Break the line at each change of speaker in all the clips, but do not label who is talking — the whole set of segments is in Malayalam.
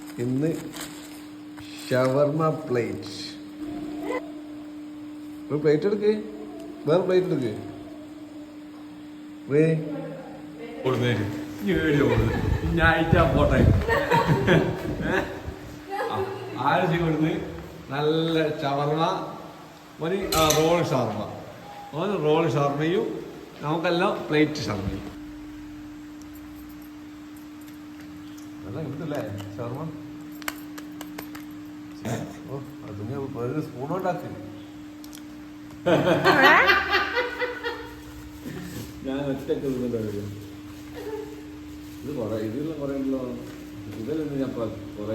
ഇന്ന് ഷവർമ പ്ലേറ്റ്. ഒരു പ്ലേറ്റ് എടുക്ക്, വേറെ പ്ലേറ്റ് എടുക്ക്. ആഴ്ച കൊടുന്ന് നല്ല ഷവർമ, ഒരു റോൾ ഷവർമ, ഒരു റോൾ ഷവർമയും നമുക്കെല്ലാം പ്ലേറ്റ് ഷവർമയും. നല്ല കിട്ടില്ലേ ഷവർമ? ഓ അതിന് ഒരു സ്പൂണോണ്ടാക്കി. ഞാൻ ഒറ്റക്ക് ഇത് കൊറേ ഇതിലുള്ള കൊറേ ഉണ്ടല്ലോ. ഇതിലൊന്നും ഞാൻ കൊറേ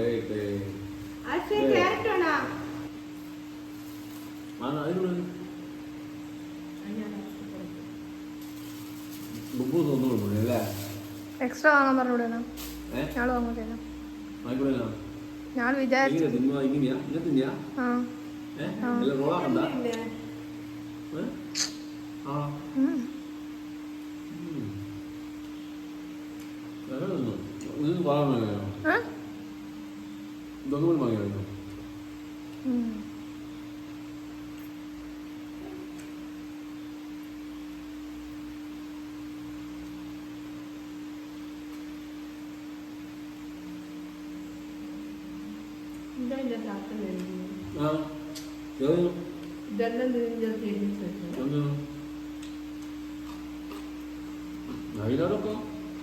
എക്സ്ട്രാ വാങ്ങാൻ പറഞ്ഞൂടെ? ഞാൻ വാങ്ങൂല. ഞാൻ വിചാരിച്ചു
ഇതൊന്നും വാങ്ങിയായിരുന്നു. അതിനോടൊക്കെ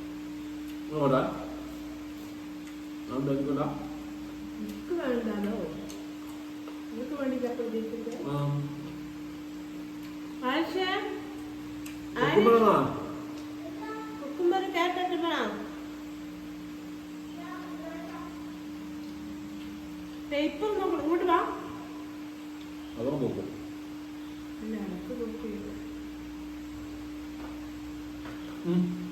വേണ്ടല്ലോ നിങ്ങൾക്ക് വേണ്ടി കുക്കുമ്പർ കേട്ടിട്ട് പേപ്പർ ഇങ്ങോട്ട് വാ. അതോ നോക്കും അല്ല എനിക്ക് നോക്കി